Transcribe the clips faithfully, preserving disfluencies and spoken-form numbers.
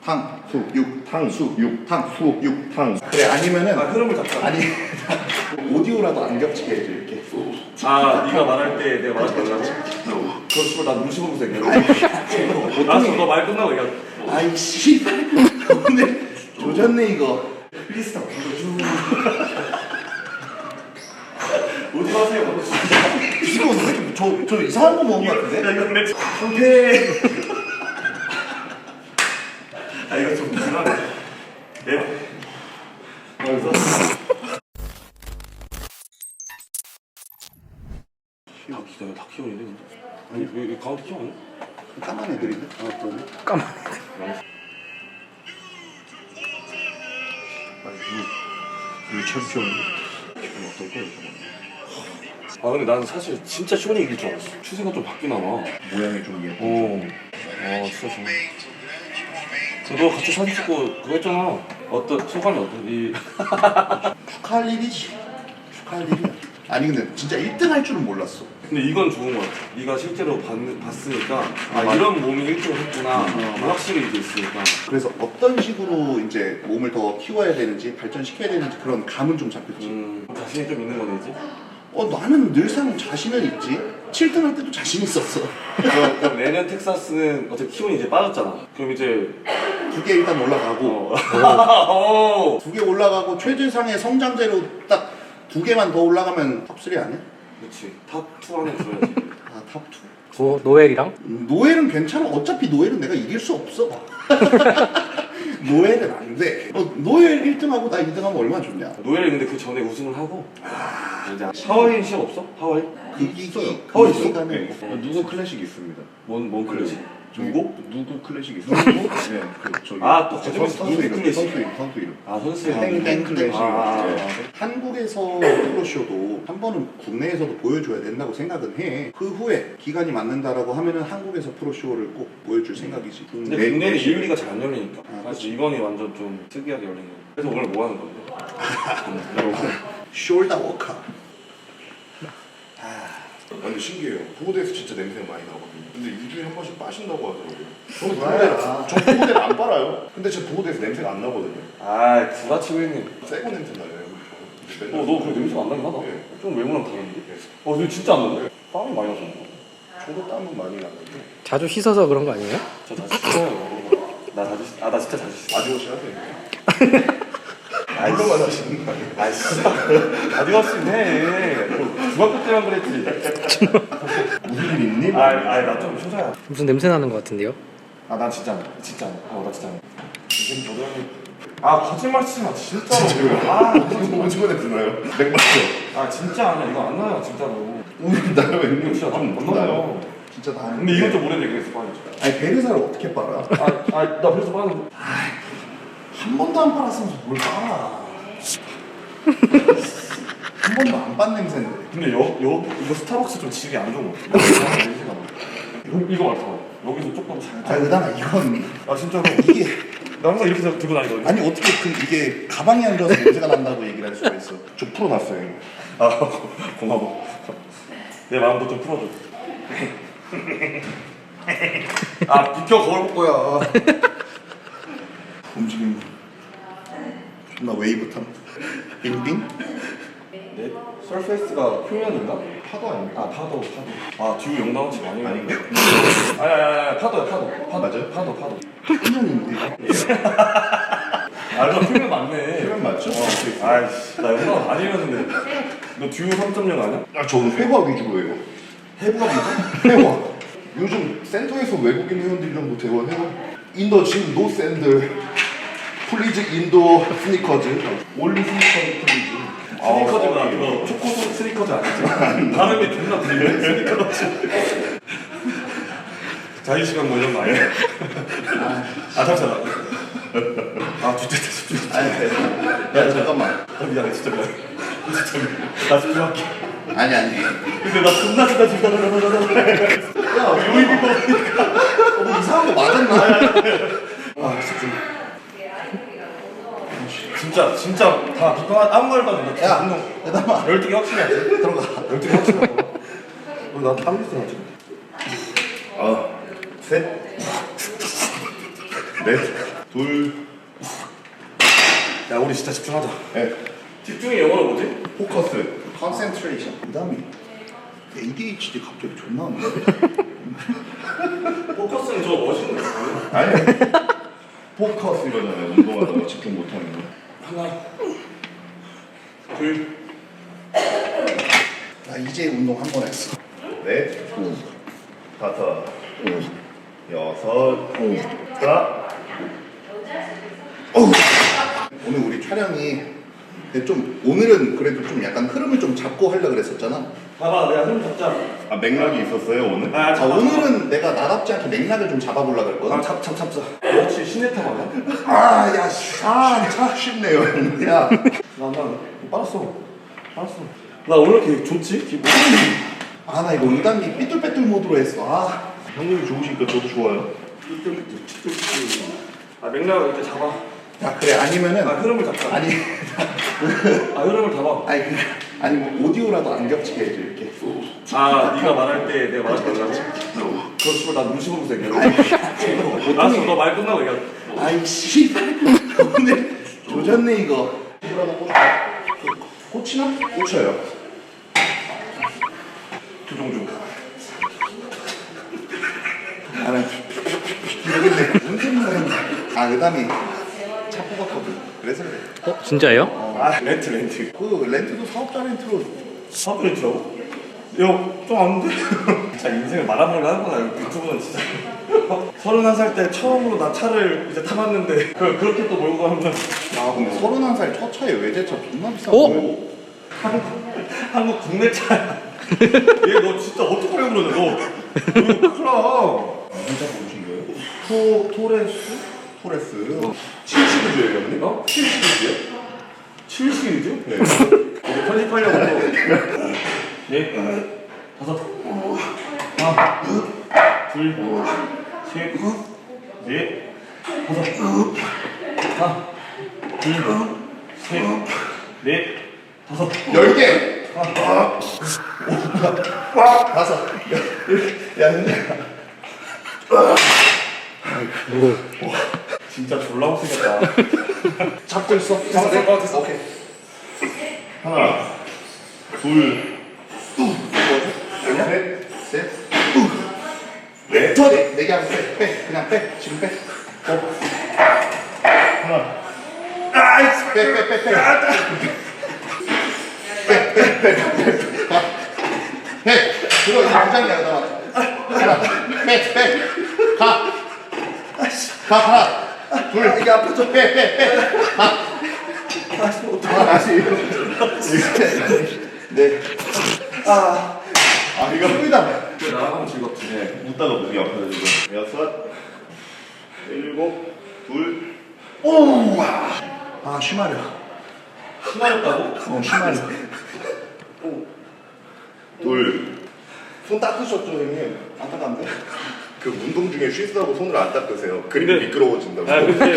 탕수육 탕수육 탕수육 탕 그래 아니면은 아 흐름을 잡자. 아니 오디오라도 안 겹치게 해줘 이렇게. 아 네가 말할 때 내가 말하지 말라고? 그럼 씨발 나 눈치 보면서 얘기해. 알았어 너 말 끝나고 얘기하자. 아이 씨 오늘 조졌네 이거. 플리스타 불러줘. 어디 가세요? 이거 저, 저 이상한 거 먹은 거 같은데? 야 이건 내 상태. 아 이거 좀 불안해. 네. 그래서 다 기다려 다 키워야 돼 근데. 아니 왜, 왜 가운데 키워 아니야? 까만 애들인데? 아 그러네. 까만 애들. 아니 이, 이 챔피언 기분 어떨까 이거. 아 근데 나는 사실 진짜 쇼니 이길 줄 알았어. 추세가 좀 바뀌나 봐. 모양이 좀 예뻐. 어. 아 진짜 좋아. 너 같이 사진 찍고 그거 했잖아. 어떤 소감이 어떠니? 축하할 일이지. 축하할 일이야. 아니 근데 진짜 일 등 할 줄은 몰랐어. 근데 이건 좋은 것 같아. 네가 실제로 봤, 봤으니까 아, 아, 이런 몸이 일 등을 했구나. 어. 확실히 이제 있으니까. 그래서 어떤 식으로 이제 몸을 더 키워야 되는지 발전시켜야 되는지 그런 감은 좀 잡혔지. 음, 자신이 좀 있는 거네 이제. 어 나는 늘상 자신은 있지. 칠 등 할 때도 자신 있었어. 그럼, 그럼 내년 텍사스는 어차피 키운이 이제 빠졌잖아. 그럼 이제 두 개 일단 올라가고 어. 두 개 올라가고 최재상의 성장제로 딱 두 개만 더 올라가면 탑삼 아니야? 그렇지. 탑투 안에 들어야지. 아 탑이. 뭐 노엘이랑? 음, 노엘은 괜찮아. 어차피 노엘은 내가 이길 수 없어. 노엘은 안 돼. 어, 노엘 일 등하고 나 이 등하면 얼마나 좋냐. 노엘이 근데 그 전에 우승을 하고 이제 하와이 시합 없어? 하와이? 그 이기 어, 있어? 기간에 네. 누구 클래식 있습니다. 뭔, 뭔 클래식? 누구? 누구 클래식 있습니다. 네, 그 저기. 아, 또 선- 거짓말 선수 누구 이름, 클래식? 선수 이름, 선수 이름. 아 선수 땡땡 클래식. 아, 아, 네. 아. 한국에서 프로쇼도 한 번은 국내에서도 보여줘야 된다고 생각은 해. 그 후에 기간이 맞는다라고 하면은 한국에서 프로쇼를 꼭 보여줄 생각이지. 근데 내- 국내는 내- 이유리가 잘 안 열리니까. 아, 사실 이번이 완전 좀 특이하게 열린 거. 그래서 오늘 뭐 하는 건데? 숄더 워커. 아, 근데 신기해요. 보호대에서 진짜 냄새가 많이 나거든요. 근데 이 주에 한 번씩 빠신다고 하더라고요. 저는 뭐야. 보호대, 저 보호대를 안 빨아요. 근데 제 보호대에서 냄새가 안 나거든요. 아 구라치고 있네. 새거 냄새 나요. 어, 너 그래 냄새가 안 나긴 하다. 네. 좀 외모랑 다른데? 어, 너 진짜 안 나네? 땀이 많이 나서. 저도 땀은 많이 나는데. 자주 씻어서 그런 거 아니에요? 저 다시 씻어요. 나 다시 씻- 아, 나 진짜 다시 씻어. 아디오시 하세요. 물로만 하시는 거 아니에요? 아, 진짜. 아디오스 해. 중학교 때만 그랬지. 무슨 일 있니? 아, 아, 나 좀 효자야. 무슨 냄새 나는 것 같은데요? 아, 난 진짜 안 해. 진짜 안 해. 어, 나 진짜 안 해. 지금 저도 형이. 아, 거짓말 치지 마. 진짜로. 아, 오징어 냄새 나요. 맥주죠. 아, 진짜 아니야. 이거 안 나요, 진짜로. 오늘 나요 이거 웬일 진짜 좀 안 나요. 나요. 진짜 다. 근데 이건 좀 오래 얘기했어, 빨리. 아니 베르사를 어떻게 빨아? 아, 아, 나 그래서 빠는데. 한 번도 안 빨았으면서 뭘 빨아? 한 번도 안 빤 냄새인데. 근데 여, 여, 이거 스타벅스 좀 질이 안 좋은 거 같아. 냄새가 나. 이거 맡아. 여기서 조금 아 살짝. 의담아 이건 아, 진짜로. 이게 나 항상 이렇게 들고 다니거든. 아니 어떻게 그 이게 가방에 앉아서 냄새가 난다고 얘기를 할 수가 있어? 저 풀어놨어요. 아, 고마워. 내 마음도 좀 풀어줘. 아, 비켜 거울 볼 거야. 움직임. 존나 웨이브 탐. 빙빙? 네? 설페이스가 표면인가? 파도 아닙니까? 아, 파도, 파도. 아, 듀오 영나원치 많이 아닌가? 아니, 아니, 아니, 파도야, 파도. 파도. 맞아요? 파도, 파도. 표면인데. 아, 너 표면 맞네. 표면 맞죠? 어, 아이씨, 나 영나원 많이 했는데. 너 듀오 삼 점 영 아니야? 아, 저는 회화 위주로 해요. 해부가 뭐죠? 회화. 요즘 센터에서 외국인 회원들이랑도 대화해요. 인더 지금 노 샌들. 플리즈 인도 스니커즈. 올리 스니커즈 플리즈. 스니커즈가 이거 초코 스니커즈 아니지? 발음이 존나 들리네. 스니커즈. 자유 시간 뭐 이런 거 아니야? 아 잠시만. 아 진짜 진짜. 아니, 야 잠깐만. 아 미안해 진짜 미안해. 진짜 미안해. 나 집중할게. 아니 아니. 근데 나 존나 진짜 집중하려고. 야 요입이 보니까 어, 뭐 이상한 거 맞았나? 아 집중. 진짜 진짜 다 비판 아무 말도 안 해. 야 운동 의담아 열등이 확실히 하지. 들어가. 열등이 확실히 하고. 나 땀있어 나 지금. 아, 셋. 넷. 둘, 야 우리 진짜 집중하자. 넷. 집중의 영어로 뭐지? 포커스. 컨센트레이션. 그다음에 에이디에이치디 갑자기 존나 안 나네. 포커스는 저 멋있는 거 아니야? 아니. 포커스 이거잖아요. 운동하다가 집중 못하는 거. 하나, 둘, 나 이제 운동 한 번 했어. 넷, 다섯, 여섯, 자. 오늘 우리 촬영이 근데 좀 오늘은 그래도 좀 약간 흐름을 좀 잡고 하려고 그랬었잖아. 봐봐 내가 흐름 잡자. 아 맥락이 있었어요 오늘? 아, 아, 잡아, 오늘은 내가 나답지 않게 맥락을 좀 잡아보려고 그랬거든. 아, 잡, 잡, 잡자. 너 혹시 시네타 맞아? 아, 야, 씨. 아, 참 쉽네요. 야, 나, 나, 빨았어. 빨았어. 나 오늘 이렇게 좋지? 기분? 아, 나 이거 의담이 삐뚤빼뚤 모드로 했어. 아, 형님이 좋으시니까 저도 좋아요. 아, 맥락을 이렇게 잡아. 야, 그래 아니면은 아, 흐름을 잡자. 아니, 아, 흐름을 잡아. 아니, 그, 아니 뭐 오디오라도 안 겹치게 해줘 이렇게. 아, 네가 말할 때 내가 말하지 말라고? 그럼 씨발 나 눈치 보면서 얘기해. 아니, 알았어, 너 말 끝나고 얘기해. 아이 씨, 오늘 조졌네 이거. 뭐라고 꽂을까? 꽂히나? 꽂혀요. 조종중. 나는 모르겠네. 뭔 생각을 했나? 아, 의담이 차 뽑았거든. 그래서 그래. 어 진짜예요? 아, 렌트, 렌트. 그 렌트도 사업자 렌트로. 사업 렌트라고? 야, 좀 아는데? 진짜 인생을 말아먹으려 하는구나, 유튜브는 진짜. 서른한 살 때 처음으로 나 차를 이제 타봤는데, 그, 그렇게 또 몰고 가면. 아, 근데 서른한 살 첫 차에 외제차 존나 비싼 어? 거야. 한국, 한국 국내 차야. 얘 너 진짜 어떡하려고 그러냐, 너. 이거 큰일 나. 무슨 차 고르신 거예요? 토, 토레스? 토레스. 칠 시리즈예요 형님? 어? 칠 시리즈요? 칠 시리즈? 네. 우리 편집하려고. 네, 다섯, 하나, 둘, 셋, 넷, 다섯, 하나, 둘, 셋, 넷, 다섯. 열 개! 다섯. 야, 근데. 진짜 졸라 못생겼다. 잡고 있어. 됐어, 됐어, 됐어. 오케이. 하나, 둘, 셋, 셋. 넷, 저 네, 네개 하고 빼, 빼. 그냥 빼. 지금 빼. 어. 하나. 아이씨, 빼, 빼, 빼, 빼. 빼, 빼, 빼, 빼. 가. 해. 들어, 이제 두 장이야, 나와. 하나. 빼, 빼. 가. 가, 하나. 둘. 이게 아프죠? 빼, 빼, 빼. 가. 하나, 다시. 네. 아. 아, 이거 뿌리다. 나랑 하면 즐겁지. 네, 웃다가 목이 아파요 지금. 여섯, 일곱, 둘. 오! 아, 쉬마려. 심하였다고? 어, 쉬마려. 둘. 손 닦으셨죠, 형님? 안 닦았는데? 그 운동 중에 쉬스하고 손을 안 닦으세요. 그림이 근데- 미끄러워진다고. 아, 근데.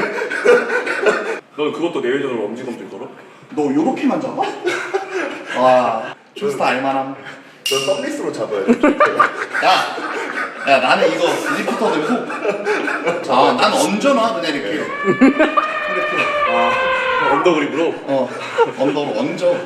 넌 그것도 내외전으로 엄지검지 걸어? 너 요렇게만 잡아? 와, 출스타 알만함. 저 썸리스로 잡아야 돼. 야! 야, 나는 이거 리프터 들고. 아, 난 얹어놔, 그냥 이렇게. 이렇게. 아, 언더그립으로? 어, 언더로 얹어.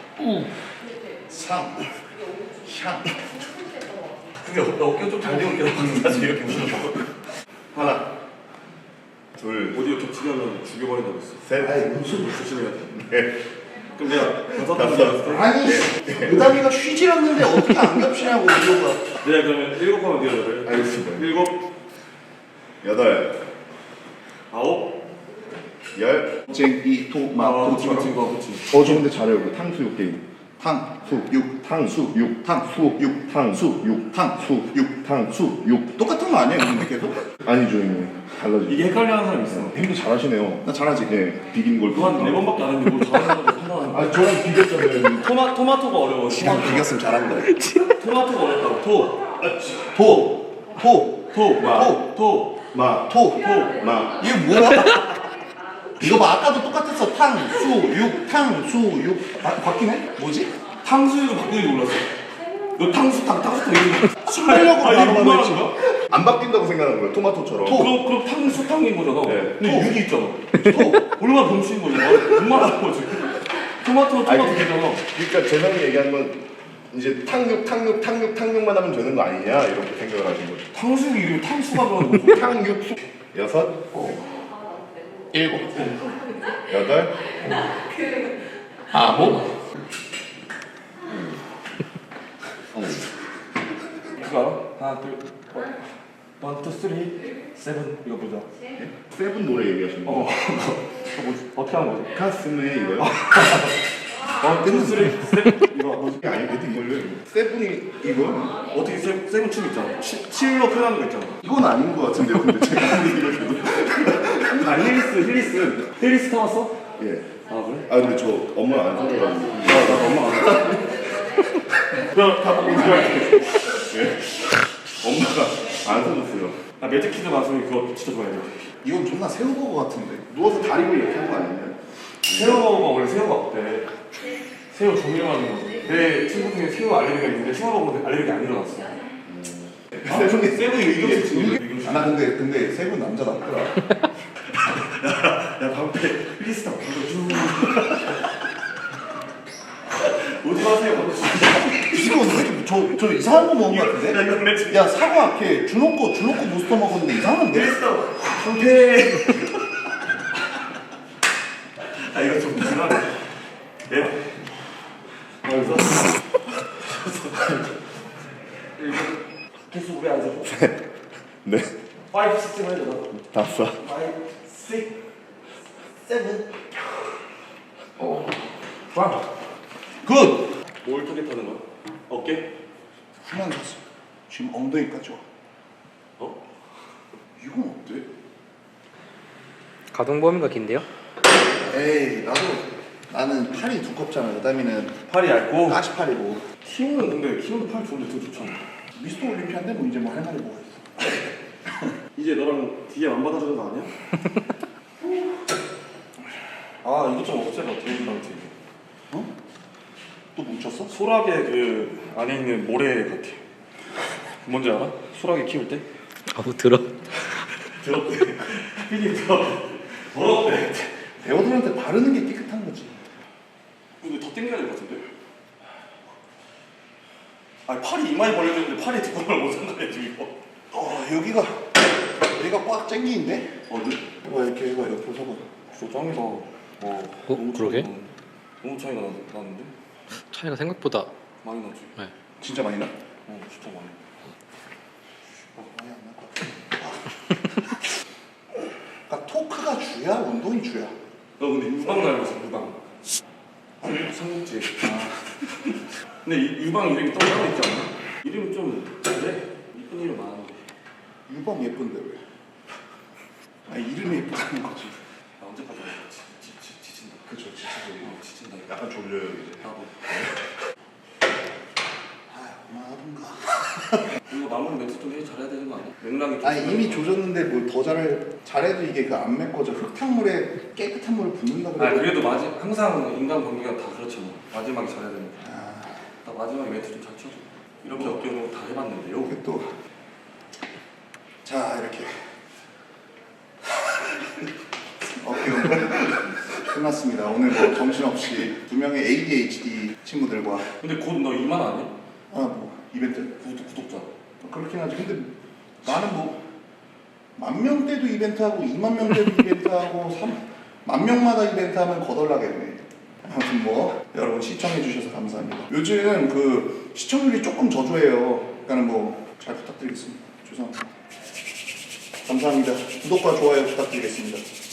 삼, 향. 근데 너 어깨 좀 잘 되고 있긴 사실 이렇게 웃는 거. 하나, 둘, 오디오 겹치게 하면 죽여버린다고 했어. 셋, 아이, 무슨. 조심해야 돼. 넷. 그럼 내가 다섯 다섯. 번째 연습. 아니, 의담이가 쉬질 않는데 어떻게 안 겹치냐고, 이거가. 내가 그러면 일곱 하면 돼요, 여덟. 알겠습니다. 일곱, 여덟, 아홉. 열. 쟁이, 도, 마, 아, 도, 그치, 그치, 그거 그치. 어, 저 근데 잘해요. 그 탕수육 게임. 탕, 수, 육. 탕수, 육, 탕수, 육. 탕수, 육, 탕, 수, 육. 탕수, 육. 똑같은 거 아니에요, 근데 계속? 아니죠, 형님. 달라지죠. 이게 헷갈려 하는 사람 있어. 형도 잘하시네요. 나 잘하지? 네, 비빔 골프. 그거 한네 번밖에 안 했는데 뭘 잘하는 거지 판단하는 거야. 아, 저랑 비겼잖아요. 토마, 토마토가 어려워. 시간 토마토. 비겼으면 잘한다. 토마토가 어렵다고. 토. 토, 토, 토. 뭐야? 토. 토. 마, 토. 토. 마. 이게 뭐야? 이거 봐, 아까도 똑같았어. 탕, 수, 육, 탕, 수, 육. 바, 바뀌네? 뭐지? 탕수육을 바꾸는지 몰랐어. 너 탕수탕, 탕수탕 이런 거. 숨기려고 아, 이게 바로 뭐야, 했지. 거야? 안 바뀐다고 생각하는 거예요. 토마토처럼. 그럼 그럼 탕수탕인 거잖아. 네. 근데 육이 있잖아. 또 얼마나 병신 거야? 얼마나 거지? 토마토 아니, 토마토 되잖아. 그러니까 재성이 얘기한 건 이제 탕육, 탕육, 탕육, 탕육만 하면 되는 거 아니냐 이렇게 생각을 하신 거죠. 탕수육 이름이 탕수가 들어가는 거죠. 탕육, 수, 여섯, 일곱, 여덟, 아홉. 그거 알아? 하나 둘 원, 투, 쓰리, 세븐 이거 보자. 세븐 노래 얘기하시는 어. 거. 그거 뭐지? 어떻게 하는 거지? 가슴에 이거요? 원, 투, 쓰리, 세븐 이거 뭐지? 이게 아니거든 이걸요. 세븐이 이거? 어떻게 세, 세븐 춤 있잖아. 치, 칠로 표현하는 거 있잖아. 이건 아닌 것 같은데요. 근데 제가 하는 이거 저도. 아 힐리스 힐리스 힐리스 타봤어? 예. 아 그래? 아 근데 저 엄마 안 사줘가지고. 나, 나 엄마 안 그럼 가보고 이거할게. 예. 엄마가 안 사줬어요. 나 매직키드 마술이 그거 진짜 좋아해. 이건 존나 새우버거 같은데. 누워서 다리를 이렇게 하는 거 아니냐? 새우버거가 원래 새우가 없대. 새우 조미료하는 거지. 내 친구 중에 새우 알레르기가 있는데 새우 먹으면 알레르기 안 일어났어. 세븐이 새우 의견 친구. 아, 나 근데 근데 세븐 남자 낫더라. 야 방패 힐리스타 쭉. 오지 마세요. 이거 왜 저, 저 이상한 거 먹은 거 같은데? 야 이거 내 친구. 야 사과 걔 준호 거 준호 거 부스터 먹었는데 이상한데? 힐리스타 방패. 아 이거 좀 불안해. 예. 그래서 계속 우리 앉아줘. 네. 파이브 식스 해줘 나. 다섯. 파이브 식스 세븐. 어. 와. 굿! 뭘 타겟하는 거야? 어깨? 후면 샀어. 지금 엉덩이까지 와. 어? 이건 어때? 가동 범위가 긴데요? 에이 나도 나는 팔이 두껍잖아. 여담이는 팔이 얇고. 까시팔이고. 키우는 근데 키우는 팔 좋은데 더 좋잖아. 미스터 올림피아인데 뭐 이제 뭐 할 말이 뭐가 있어? 이제 너랑 뒤에 안 받아주는 거 아니야? 아 이거 좀 없애봐 대우들한테. 어? 또 뭉쳤어? 소라게 그 안에 있는 모래 같아. 뭔지 알아? 소라게 키울 때? 아우 들어. 더럽대. 피디 더 더럽대. 배우들한테 바르는 게 깨끗한 거지. 근데 더 땡겨야 될 것 같은데? 아니 팔이 이마에 벌려졌는데 팔이 두꺼운 걸 못 상관해 지금 이거. 어 여기가 여기가 꽉 쟁기인데? 어디? 이거 이렇게 이거 옆으로 서봐. 저 짱이다. 어, 어, 그러게? 차이가 나- 너무 차이가 나, 나는데? 차이가 생각보다 많이 나지? 네. 진짜 많이 나? 어 진짜 많이. 어, 많이 안 날 것 같아. 그러니까 토크가 주야 운동이 주야. 너 근데 유방 닮았어 유방. 아니 삼국지. 아. 근데 이, 유방 이름이 또 따로 있지 않나? 이름이 좀 그래? 이쁜 이름 많은데. 유방 예쁜데 왜? 아 이름이 예쁘다는 거지. 나 언제까지 지, 지, 지, 지친다. 그쵸 진짜. 어, 지친다. 약간 졸려요 이제. 나도. 아 그만하던가. 이거 마무리 멘트 좀 해 잘해야 되는 거 아니야? 맥락이 좀. 아니 이미 조졌는데 뭘 더 잘 잘해도 이게 그 안 메꿔져. 흙탕물에 깨끗한 물을 붓는다 아 그래. 그래도 마지 항상 인간 관계가 다 그렇잖아. 마지막에 잘해야 되는 거. 아 나 마지막에 멘트 좀 잘 쳐줘. 이렇게 어깨 운동 다 해봤는데요. 이게 또. 자 이렇게. 어깨 운동 끝났습니다. 오늘 뭐 정신없이 두 명의 에이디에이치디 친구들과 근데 곧 너 이만 아니야? 아 뭐 이벤트 구독, 구독자. 그렇긴 하지. 근데 나는 뭐 만 명대도 이벤트하고 이만 명대도 이벤트하고 삼만 명마다 이벤트하면 거덜나겠네. 아무튼 뭐 여러분 시청해 주셔서 감사합니다. 요즘 그 시청률이 조금 저조해요. 그러니까 뭐 잘 부탁드리겠습니다. 죄송합니다. 감사합니다. 구독과 좋아요 부탁드리겠습니다.